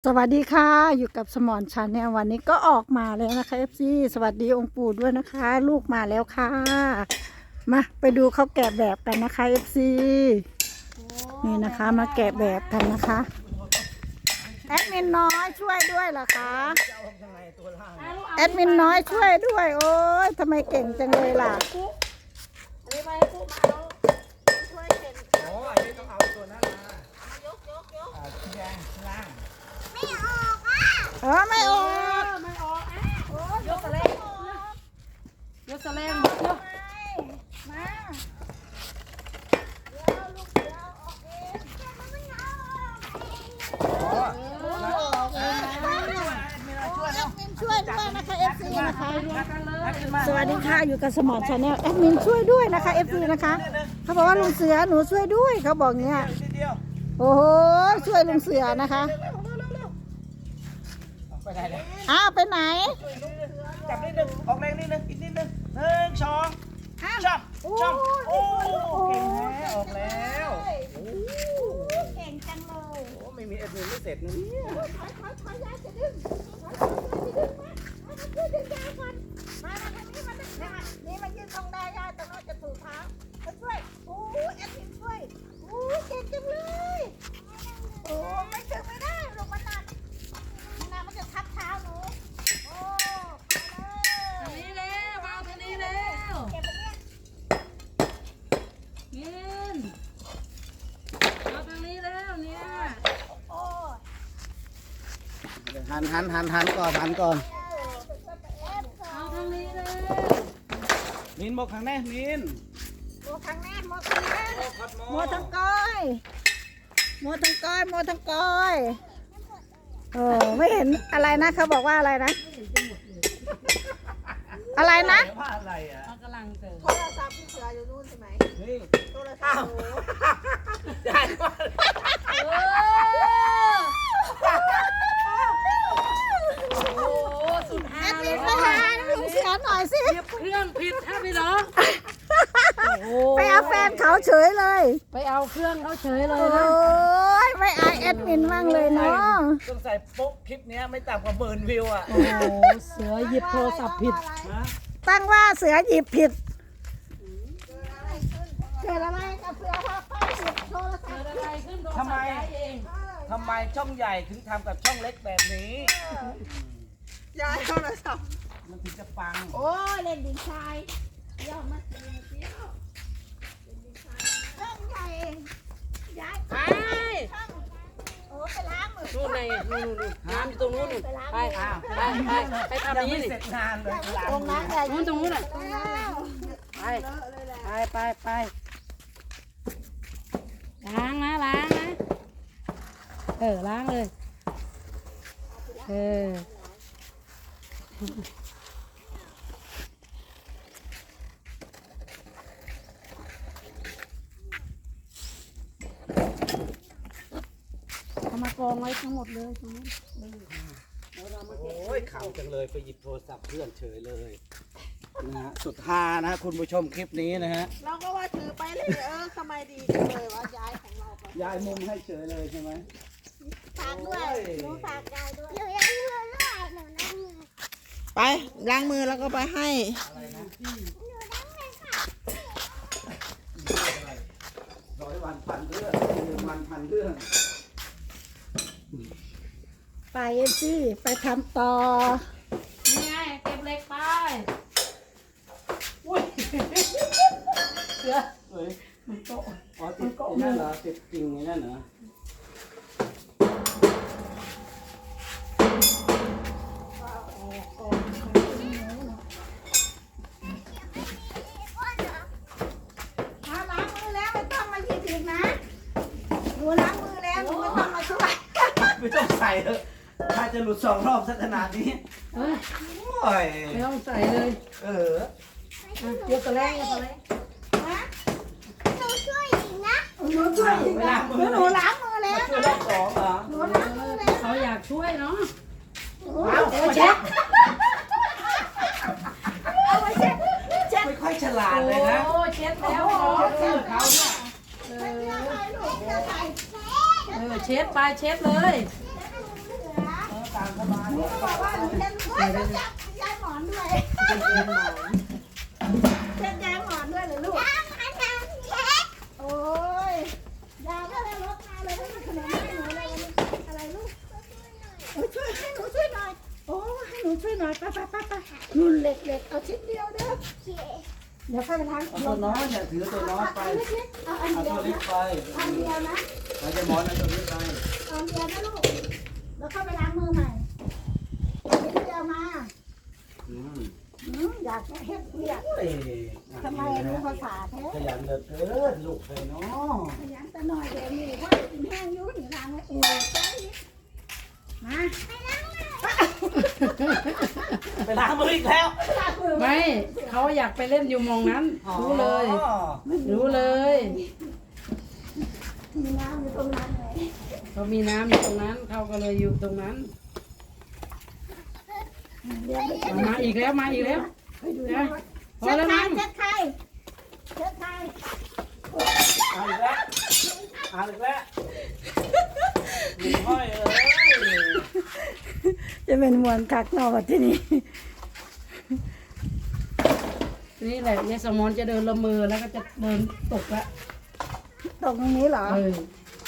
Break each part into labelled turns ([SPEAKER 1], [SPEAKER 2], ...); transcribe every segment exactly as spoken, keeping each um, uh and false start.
[SPEAKER 1] สวัสดีค่ะอยู่กับสมอนชาแนลวันนี้ก็ออกมาแล้วนะคะ เอฟ ซี สวัสดีองค์ปู่ด้วยนะคะ ลูกมาแล้วค่ะมาไปดูเขาแกะแบบกันนะคะ เอฟ ซี นี่นะคะมาแกะแบบกันนะคะแอดมินน้อยช่วยด้วยเหรอคะแอดมินน้อยช่วยด้วยโอ้ยทำไมเก่งจังเลยล่ะ
[SPEAKER 2] อ๋ออันนี้ต้องเอาตัวนั้นมาอ่าที่แดงข้างล่าง
[SPEAKER 1] เออไม่ออก
[SPEAKER 3] ไม่ออกอ่ะยกสะเลงยกสะเลงยก
[SPEAKER 1] มา
[SPEAKER 2] อ๋อ
[SPEAKER 1] ช่วยด้วยนะคะ เอฟ ซี นะคะ
[SPEAKER 3] กันเลย
[SPEAKER 1] สวัสดีค่ะอยู่กับสมอนชาแนลแอดมินช่วยด้วยนะคะ เอฟ ซี นะคะเขาบอกว่าลุงเสือหนูช่วยด้วยเขาบอกเงี้ย
[SPEAKER 2] นิดเดียว
[SPEAKER 1] โอ้โหช่วยลุงเสือนะคะ
[SPEAKER 2] ไปได้เลย
[SPEAKER 1] อ้าวไปไหน
[SPEAKER 2] จับนิดนึงออกแรงนิดนึงอีกนิดนึงหนึ่งสองจับจับโอ้เก่งแท้ออกแล้วโอ้
[SPEAKER 1] เก่งจังเลย
[SPEAKER 2] โหไม่มีเอ็ดมินไม่เสร็จนะเนี่ย
[SPEAKER 1] ถอยถอยถอยยายจะดึงถอยถอยจะดึงมามาช่วยดึงยายก่อนมามาทางนี้มาดึงยายนี่มายืนตรงได้ยายตรงนั้นจะถูกเท้ามาช่วยโอ้แอดมินช่วยโอ้เก่งจังเลยโอ้ไม่ถึงไม่ได้ลงมาหนักมันหนักมันจะทับเท้าหนูโอ้ไปเลย
[SPEAKER 3] ทางนี้แล้วมาทางนี้แล้ว
[SPEAKER 1] เก็บไปเนี่ย
[SPEAKER 3] เงินมาทางนี้แล้วเนี่ย
[SPEAKER 1] โอ้
[SPEAKER 2] หันหันหันหันก่อนหันก่อน
[SPEAKER 3] เอาทางนี้แล้ว
[SPEAKER 2] มินบอกข้างแน่มิน
[SPEAKER 1] โมทั้งแน่โมทั้งแน่
[SPEAKER 2] พัดหม
[SPEAKER 1] โมทั้งก้อยโมทั้งก้อยโมทั้งก้อยเออไม่เห็นอะไรนะเขาบอกว่าอะไรนะ อะไรนะ
[SPEAKER 2] ว่าอะไรอ่ะ
[SPEAKER 3] เขากำลังเจอ
[SPEAKER 1] โทรศัพท์พี่เสืออยู่นู่นใช่ไหม
[SPEAKER 2] นี่
[SPEAKER 1] โทรศัพท์หนู
[SPEAKER 2] ได้ว่า
[SPEAKER 3] โอ้โหสุด
[SPEAKER 1] แอ
[SPEAKER 3] ฮา
[SPEAKER 1] ด
[SPEAKER 3] เล
[SPEAKER 1] มิ
[SPEAKER 3] ย
[SPEAKER 1] นไปหาลุงเสือหน่อยสิ
[SPEAKER 3] เหยียบเครื่องผิดฮะพี่น้องโอ้
[SPEAKER 1] ไปเอาแฟนเขาเฉยเลย
[SPEAKER 3] ไปเอาเครื่องเขาเฉยเล
[SPEAKER 1] โอ้
[SPEAKER 3] ยนะ
[SPEAKER 1] ยไม่อายแอดมินบ้างเลยเนาะ
[SPEAKER 2] ต้องใส่โป๊กคลิปเนี้ยไม่ต่ำกว่าหมื่นวิวอ่ะ
[SPEAKER 3] โอ้โหเสือหยิบโทรศัพท์ผิด
[SPEAKER 2] ฮะ
[SPEAKER 1] ตั้งว่าเสือหยิบผิดเกิดอะไรกับเสือพาป้าหยิบโทรศัพ
[SPEAKER 3] เกิ
[SPEAKER 1] ท์
[SPEAKER 3] ดอะไรขึ้นโทรศัพท์ย้ายเอง
[SPEAKER 2] ทำไมช่องใหญ่ถึงทำกับช่องเล็กแบบนี้
[SPEAKER 1] ย้ายโทรศัพท์
[SPEAKER 2] มันถึงจะปัง
[SPEAKER 1] โอ้ยเล่นดินทรายย่อมาเสียเสียเล่นดินทรายเรื่องใหญ่เองย้าย
[SPEAKER 3] ไป
[SPEAKER 1] ช่างโอ้ไปล้างมือ
[SPEAKER 3] นู่นไงนู่นนู่นน้ำอยู่ตรงนู้นนู่นไปไปไปไปทำ
[SPEAKER 2] ยัง
[SPEAKER 3] นี้
[SPEAKER 2] ไม่
[SPEAKER 3] นี่
[SPEAKER 2] เสร็จงานเลยหลัง
[SPEAKER 1] ตรงนั้นใหญ่
[SPEAKER 3] นู้นตรงนู้นอ่ะ
[SPEAKER 1] ตรงนั้น
[SPEAKER 3] ไปไปไปไปล้างนะล้างนะเออล้างเลยเออเอามากองไว้ทั้งหมดเลยตรงนี้
[SPEAKER 2] โอ้ยขำจังเลยไปหยิบโทรศัพท์เพื่อนเฉยเลยนะฮะสุดฮานะฮะคุณผู้ชมคลิปนี้นะฮะ
[SPEAKER 1] เราก็ว่าถือไปเลยเออทำไมดีจังเลยว่าย้ายของเราไป
[SPEAKER 2] ยายมุมให้เฉยเลยใช่ไหม
[SPEAKER 1] ฝากด้วยหนูฝากยายด้วย
[SPEAKER 4] ไปล้างมือแล้วก็ไปให้
[SPEAKER 2] ร้อยวันพันเรื่องหนึ่งวันพันเรื่อง
[SPEAKER 1] ไปเอ็นซี่ไปทำต่อ
[SPEAKER 3] นี่ไงเก็บเหล็กไป
[SPEAKER 2] อุ้ยเสือเฮ้ยมันโต๊ะอ๋อติดไอ้นั่นเหรอติดจริงไอ้นั่นเหรอ
[SPEAKER 1] มาล้างมือแล้วไม่ต้องมาหยิบอีกนะหนูล้างมือแล้วหนูไม่ต้องมาช่วย
[SPEAKER 2] ไม่ต้องใส่เถอะถ้าจะหลุดสองรอบสักขนาดนี้
[SPEAKER 3] เอ้ย
[SPEAKER 2] โอ้ย
[SPEAKER 3] ไม่ต้องใส่เลย
[SPEAKER 2] เออ
[SPEAKER 3] อ่ะยกตะแรงยกตะแรง
[SPEAKER 1] หนูช่วยอีกนะหนูช่วยอีกนะหนูล้างมือแล้ว
[SPEAKER 2] ช่วยรอบสองเหรอ
[SPEAKER 1] หนูล้างมือแล้ว
[SPEAKER 3] เขาอยากช่วยเนาะ
[SPEAKER 2] เอาเช็ด
[SPEAKER 1] เอาไว้เช็ดเช็ด
[SPEAKER 2] ไม่ค่อยฉลาดเลยนะ
[SPEAKER 3] โอ้เช็ดแล้ว
[SPEAKER 2] เช็ดชื่อเขาเนี่ย
[SPEAKER 3] เอ
[SPEAKER 1] เสื้อ
[SPEAKER 3] อ
[SPEAKER 1] ใครลูกเสื้อใคร
[SPEAKER 3] เออเช็ดไปเช็ดเลย
[SPEAKER 2] ามสบาย
[SPEAKER 1] หนูก็บอกว่าหนูจะโอ๊ยต้องจับยายหมอนด้วยเช็ดยายหมอนด้วยเหรอลูกโอ้ยยายก็เลยรถมาเลยให้มันขนมให้หนูเลยอะไรลูกโอ้ยช่วยให้หนูช่วยหน่อยโอ้ให้หนูช่วยหน่อยไปไปไปไปนุ่นเหล็กเหล็กเอาชิ้นเดียวเด้อเดี๋ยวค่อยไปล้าง
[SPEAKER 2] เอาตัวน้อยเนี่ยถือตัวน้อยไป
[SPEAKER 1] เอาเล็กๆเอาอัน
[SPEAKER 2] เอา
[SPEAKER 1] เดีย
[SPEAKER 2] ตัววเล็กไป
[SPEAKER 1] อันเดียวนะ
[SPEAKER 2] เราจะหมอนเอาตัวเล็กไป
[SPEAKER 1] เอาอันเดียวนะลูกแล้วค่อยไปล้างมือใหม่ชิ้นเดียวมา
[SPEAKER 2] อืม
[SPEAKER 1] อืมอยากจะเฮ็ดเรียก
[SPEAKER 2] เอ้ย
[SPEAKER 1] ทำไมรู้ภาษาแท้
[SPEAKER 2] ขยันเหลือเกินลูกเลยเนาะ
[SPEAKER 1] ขยันแต่หน่อยเดี๋ยวนี้ว่ากินแห้งอยุ่หนีล้างไว้เออใช่มา
[SPEAKER 2] ไปล้างมืออีกแล้ว
[SPEAKER 1] ล้างมือ
[SPEAKER 3] ไม่เขาอยากไปเล่นอยู่หมองนั้น รู้เลย
[SPEAKER 2] อ๋อ
[SPEAKER 3] รู้เลย
[SPEAKER 1] มีน้ำอยู่ตรงนั้นเลย
[SPEAKER 3] เขามีน้ำอยู่ตรงนั้น เขาก็เลยอยู่ตรงนั้น
[SPEAKER 1] เดี๋ยวไป
[SPEAKER 3] เอามาอีกแล้วมาอีกแล้ว
[SPEAKER 1] ไปดูนะ
[SPEAKER 3] พอแล้ว
[SPEAKER 1] ใคร
[SPEAKER 3] มั้ง
[SPEAKER 1] เช็ดใครเช็ดใคร
[SPEAKER 2] เอาอีกแล้วเอาอีกแล้วหนีห้อยเอ้ย
[SPEAKER 1] จะเป็นมวลคักนอกที่นี่
[SPEAKER 3] นี่แหละยายสมอนจะเดินละเมอแล้วก็จะเดินตกละ
[SPEAKER 1] ตรงนี้เหรอ
[SPEAKER 3] เออ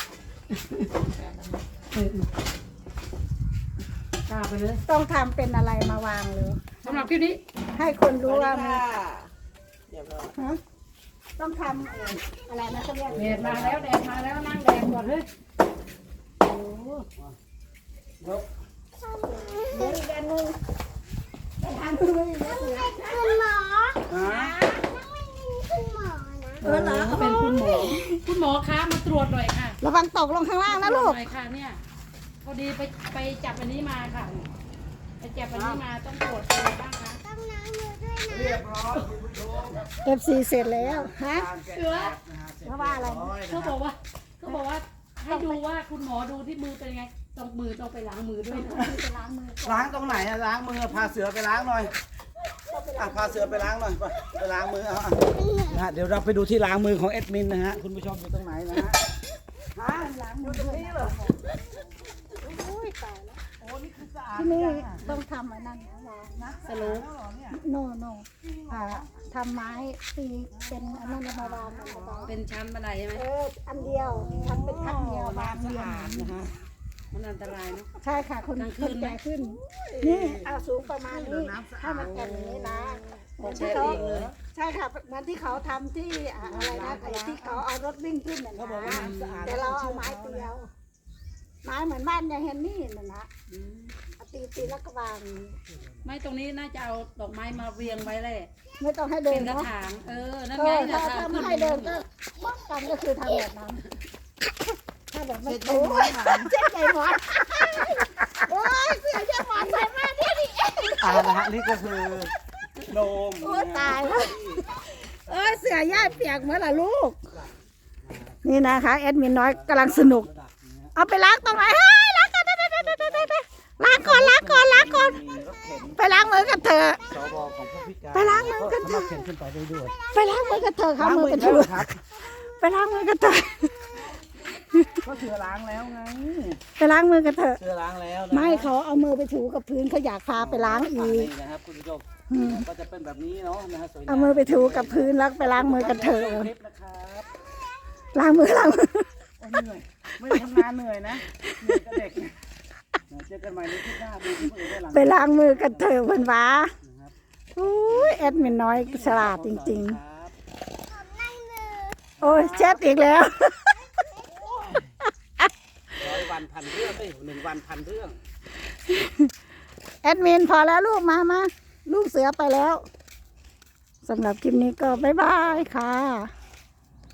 [SPEAKER 3] เออ ข้าไปเลย
[SPEAKER 1] ต้องทำเป็นอะไรมาวางเลย
[SPEAKER 3] สำหรับคลิปนี้
[SPEAKER 1] ให้คนรู้ว่ามัน
[SPEAKER 4] เดี๋ยวเรา
[SPEAKER 1] ฮะต้องทำเอ่ออะไรนะเขาเรียก
[SPEAKER 3] แดดมาแล้วแดดมาแล้วนั่งแดดก่อนเฮ้ยโอ้
[SPEAKER 2] ยก
[SPEAKER 1] เดี๋ยวอีกอันหนึงไปทำด้วยนะเสือ
[SPEAKER 2] ฮะ
[SPEAKER 1] เออเหรอ
[SPEAKER 3] เขาเป็นคุณหมอ คุณหมอคะมาตรวจหน่อยค่ะ
[SPEAKER 1] ระวังตกลงข้างล่างนะลูก
[SPEAKER 3] หน่อยค่ะเนี่ยพอดีไปไปจับอันนี้มาค่ะ ไปจับอันนี้มาต้องตรวจอะไรบ้างคะ
[SPEAKER 2] เรียบร้อยคุณผู้ชม
[SPEAKER 1] เอฟซีเสร็จแล้วฮะ
[SPEAKER 2] การแกะ
[SPEAKER 3] เสือ
[SPEAKER 2] นะฮะเสร็จ
[SPEAKER 1] เพราะว่าอะไร
[SPEAKER 2] ย
[SPEAKER 3] เขาบอกว่าเขาบอกว่าให้ดูว่าคุณหมอดูที่มือเป็นไงต้องมือต้องไปล้างมือด้วยนะ
[SPEAKER 1] จะล้างมือ
[SPEAKER 2] ล้างตรงไหนอะล้างมือพาเสือไปล้างหน่อยอ่ะพาเสือไปล้างหน่อยไปไปล้างมือเอาอ่ะนะฮะเดี๋ยวเราไปดูที่ล้างมือของเอ็ดมินนะฮะคุณผู้ชมอยู่ตรงไหนนะฮะฮะ
[SPEAKER 1] ล้างมือ
[SPEAKER 2] ตรงนี้เหรอ
[SPEAKER 1] โอ้ยตายแล้ว
[SPEAKER 2] โอ้นี่คือสะอาด
[SPEAKER 1] ที่นี่
[SPEAKER 2] จังอะ
[SPEAKER 1] ต้องทำอันนั้นนะวางนะ
[SPEAKER 3] สโลป
[SPEAKER 2] แล้วเหรอเนี่ย
[SPEAKER 1] โนโนอ่าทำไม้ตีเป็นอันนั้นมาวางกันนะ
[SPEAKER 3] เป็นชั้นบันไดใช่ไหม
[SPEAKER 1] เอออันเดียวทำเป็นขั้นเดียววางเรียง
[SPEAKER 2] นะฮะ
[SPEAKER 3] มันอันตรายเนาะ
[SPEAKER 1] ใช่ค่ะคน
[SPEAKER 3] กลางคื
[SPEAKER 1] คน
[SPEAKER 3] นไหม
[SPEAKER 1] แก่ขึ้น นี่เอาสูงประมาณนี้ถ้ามันแก่อย่างนี้นะเหมือนที่เขาใช่ค่ะเหมือนที่เขาทำที่อ่าอะไรนะไอ้ที่เขาเอารถวิ่งขึ้นน่ะนะแต่เราเอาไม้เตียว ไม้เหมือนบ้านยายเฮนนี่น่ะนะ
[SPEAKER 3] อืม
[SPEAKER 1] เอาตีตีแล้วก็วาง
[SPEAKER 3] ไม่ตรงนี้น่าจะเอาดอกไม้มาเรียงไว้เลย
[SPEAKER 1] ไม่ต้องให้เดิ
[SPEAKER 3] เป็น นกระ
[SPEAKER 1] เนาะ
[SPEAKER 3] ถาง เออ นั่น
[SPEAKER 1] เอ
[SPEAKER 3] ไง
[SPEAKER 1] อ
[SPEAKER 3] นะ
[SPEAKER 1] ถ้า
[SPEAKER 3] คะ
[SPEAKER 1] ถ้า
[SPEAKER 3] ขึ้
[SPEAKER 1] ไม่
[SPEAKER 3] น
[SPEAKER 1] ให้เดินก็ป้องกันก็คือทำแบบนั้นถ้าแบบไม่โอ้ยเจ๊ใจหมอนโอ้ยเสือใจหมอนใส่มาที่นี่เอง
[SPEAKER 2] อ่านะฮะนี่ก็คือโดม
[SPEAKER 1] โอ้ยตายแล้วเอ้ยเสือย่ายเปียกเหมื่อนล่ะลูก นี่นะคะแอดมินน้อยกำลังสนุก เอาไปล้างตรงไหนเฮ้ยล้างก่อนล้างก่อนล้างก่อนล้างก่อน
[SPEAKER 2] มีรถเข็น
[SPEAKER 1] ไปล้างมือกันเถอะ
[SPEAKER 2] สวของผู้พิการ
[SPEAKER 1] ไปล้างมือกันเถอะ
[SPEAKER 2] สามารถเข็นขึ้นไปได้ด้วย
[SPEAKER 1] ไปล้างมือกันเถอะค่ะมือกัน
[SPEAKER 2] ล้าง
[SPEAKER 1] ถู
[SPEAKER 2] มือครับ
[SPEAKER 1] ไปล้างมือกันเถอะ
[SPEAKER 2] ก็เสือล้างแล้วไง
[SPEAKER 1] ไปล้างมือกันเถอะ
[SPEAKER 2] เสือล้างแล้วนะ
[SPEAKER 1] ไม่เขาเอามือไปถูกับพื้นเขาอยากพาไปล้างอีก
[SPEAKER 2] นี่นะครับคุณผู้ชม
[SPEAKER 1] อืม
[SPEAKER 2] ก็จะเป็นแบบนี้เนาะนะฮะสวยงาม
[SPEAKER 1] เอามือไปถูกับพื้นแล้วไปล้างมือกันเถอะ
[SPEAKER 2] คลิปนะครับ
[SPEAKER 1] ล้างมือล้างมือ
[SPEAKER 2] โอ้เหนื่อยไม่ได้ทำงานเหนื่อยนะเหนื่อยกับเด็กเจอกันใหม่ในคลิปหน้าดูที่คนอื่นได้หลัง
[SPEAKER 1] ไปล้างมือกันเถอะเพิ่นว่า
[SPEAKER 2] นะครับ
[SPEAKER 1] อุ้ยแอดมินน้อยฉลาดจริง
[SPEAKER 2] ครับ
[SPEAKER 1] ๆ โอ้ยเช็ดอีกแล้ว
[SPEAKER 2] ร้อยวันพันเรื่องเอ้ยหนึ่งวันพันเรื่อง
[SPEAKER 1] แอดมินพอแล้วลูกมามาลูกเสือไปแล้วสำหรับคลิปนี้ก็บ๊ายบายค่ะ